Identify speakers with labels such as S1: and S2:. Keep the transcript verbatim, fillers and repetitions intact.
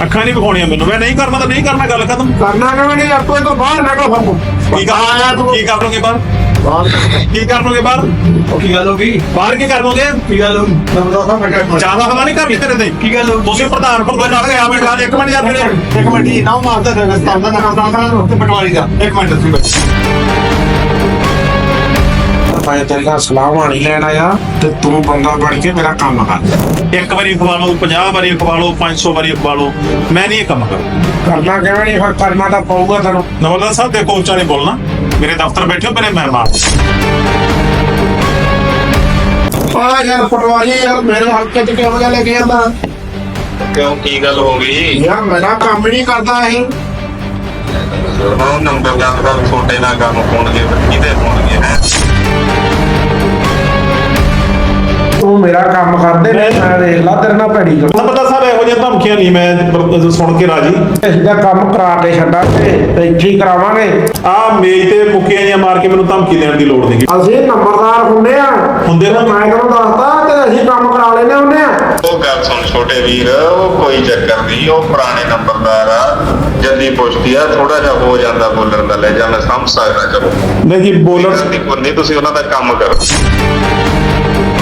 S1: ਅੱਖਾਂ ਨਹੀਂ ਵਿਖਾਉਣੀਆਂ ਮੈਨੂੰ। ਮੈਂ ਨਹੀਂ ਕਰਨਾ ਤਾਂ ਨਹੀਂ ਕਰਨਾ, ਗੱਲ ਖਤਮ।
S2: ਕਰਨਾ ਕਿਵੇਂ ਨਹੀਂ ਯਾਰ, ਤੂੰ ਤੋਂ ਬਾਹਰ ਨਿਕਲ ਫਿਰ।
S1: ਕੀ ਕਰ ਕੀ ਕਰ ਲੋਗੇ ਬਾਹਰ? ਕੀ ਕਰ ਲੋਗੇ ਬਾਹਰ?
S2: ਕੀ ਗੱਲ ਹੋ ਗਈ?
S1: ਬਾਹਰ ਕੀ ਕਰ ਲੋਗੇ?
S2: ਕੀ ਗੱਲ ਹੋ ਗਈ? ਮੈਂ ਦੱਸਾਂ ਮੈਂ ਕਿਹਾ
S1: ਜ਼ਿਆਦਾ ਹਵਾ ਨਹੀਂ ਕਰਨੀ ਤੇਰੇ ਤੇ।
S2: ਕੀ ਗੱਲ ਹੋ ਗਈ?
S1: ਤੁਸੀਂ ਪ੍ਰਧਾਨ ਭਗਤ ਨਾਲ ਗਿਆ ਬੈਠਾ ਇੱਕ ਮਿੰਟ ਯਾਰ ਖੜੇ।
S2: ਇੱਕ ਮਿੰਟ ਜੀ ਨਾ ਮਾਰਦਾ ਰਸਤਾ ਦਾ ਨਾਮ ਦਾ ਉੱਤੇ ਪਟਵਾਰੀ ਦਾ। ਇੱਕ ਮਿੰਟ ਤੁਸੀਂ ਬੈਠੋ। ਮੈਂ ਤੇਰੇ ਨਾਲ ਸਲਾਹ ਨਹੀਂ ਲੈਣ ਆਇਆ ਤੇ ਤੂੰ ਬੰਦਾ ਬਣ ਕੇ ਮੇਰਾ ਕੰਮ ਕਰ।
S1: ਇੱਕ ਵਾਰੀ ਖਵਾ ਲਓ, ਪੰਜਾਹ ਵਾਰੀ ਖਵਾ ਲਓ, ਪੰਜ ਸੌ ਵਾਰੀ ਖਵਾ ਲਓ, ਮੈਂ ਨਹੀਂ ਇਹ ਕੰਮ ਕਰਦਾ।
S2: ਕਰਨਾ ਕਿਵੇਂ ਨਹੀਂ, ਫਿਰ ਕਰਨਾ ਤਾਂ ਪਊਗਾ ਤੈਨੂੰ।
S1: ਨਵਲਦਾ ਸਾਹਿਬ ਦੇਖੋ, ਉੱਚਾ ਨਹੀਂ ਬੋਲਣਾ। ਮੇਰੇ ਦਫ਼ਤਰ ਬੈਠੇ ਹੋ ਮੇਰੇ ਮਹਿਮਾਨ।
S2: ਆ ਯਾਰ ਪਟਵਾਰੀ ਯਾਰ ਮੇਰੇ ਹਲਕੇ ਚ ਕਿਉਂ ਜਾ ਲੈ ਕੇ ਜਾਂਦਾ?
S3: ਕਿਉਂ ਕੀ ਗੱਲ ਹੋ ਗਈ?
S2: ਯਾਰ ਮੇਰਾ ਕੰਮ ਨਹੀਂ ਕਰਦਾ ਇਹ।
S3: ਉਹ ਨੰਬਰ ਦਾ ਤਾਂ ਛੋਟੇ ਨਾਲ ਕੰਮ ਹੋਣਗੇ, ਕਿਹਦੇ ਹੋਣਗੇ ਹੈ?
S2: ਤੂੰ ਮੇਰਾ ਕੰਮ ਕਰਦੇ ਨੇ, ਮੈਂ ਦੇਖ ਲਾ ਤੇਰੇ ਨਾਲ ਭੈੜੀ ਕਰ।
S1: ਨਵਲਦਾ ਸਾਹਿਬ ਇਹੋ ਜਿਹੀਆਂ ਧਮਕੀਆਂ ਨਹੀਂ ਮੈਂ ਸੁਣ ਕੇ ਰਾਜੀ।
S2: ਇਹਦਾ ਕੰਮ ਕਰਾ ਕੇ ਛੱਡਾਂਗੇ ਤੇ ਇੱਥੇ ਹੀ ਕਰਾਵਾਂਗੇ।
S1: ਆਹ ਮੇਜ਼ ਤੇ ਮੁੱਕੀਆਂ ਜਿਹੀਆਂ ਮਾਰ ਕੇ ਮੈਨੂੰ ਧਮਕੀ ਦੇਣ ਦੀ ਲੋੜ ਨਹੀਂ।
S2: ਅਸੀਂ ਨੰਬਰਦਾਰ ਹੁੰਦੇ ਆ
S1: ਹੁੰਦੇ ਨਾ।
S2: ਮੈਂ ਤੈਨੂੰ ਦੱਸਦਾ ਤੇ ਅਸੀਂ ਕੰਮ ਕਰਾ ਲੈਨੇ ਹੁੰਦੇ ਆ।
S3: ਉਹ ਗੱਲ ਸੁਣ ਛੋਟੇ ਵੀਰ, ਉਹ ਕੋਈ ਚੱਕਰ ਨਹੀਂ, ਉਹ ਪੁਰਾਣੇ ਨੰਬਰਦਾਰ ਆ। ਜਲਦੀ ਪੁੱਛਦੀ ਆ, ਥੋੜਾ ਜਿਹਾ ਹੋ ਜਾਂਦਾ ਬੋਲਣ ਦਾ ਲੈ ਜਾ, ਮੈਂ ਸਮਝ ਸਕਦਾ। ਚਲੋ
S1: ਨਹੀਂ ਜੀ ਬੋਲਣ
S3: ਨਹੀਂ, ਤੁਸੀਂ ਉਹਨਾਂ ਦਾ ਕੰਮ ਕਰੋ।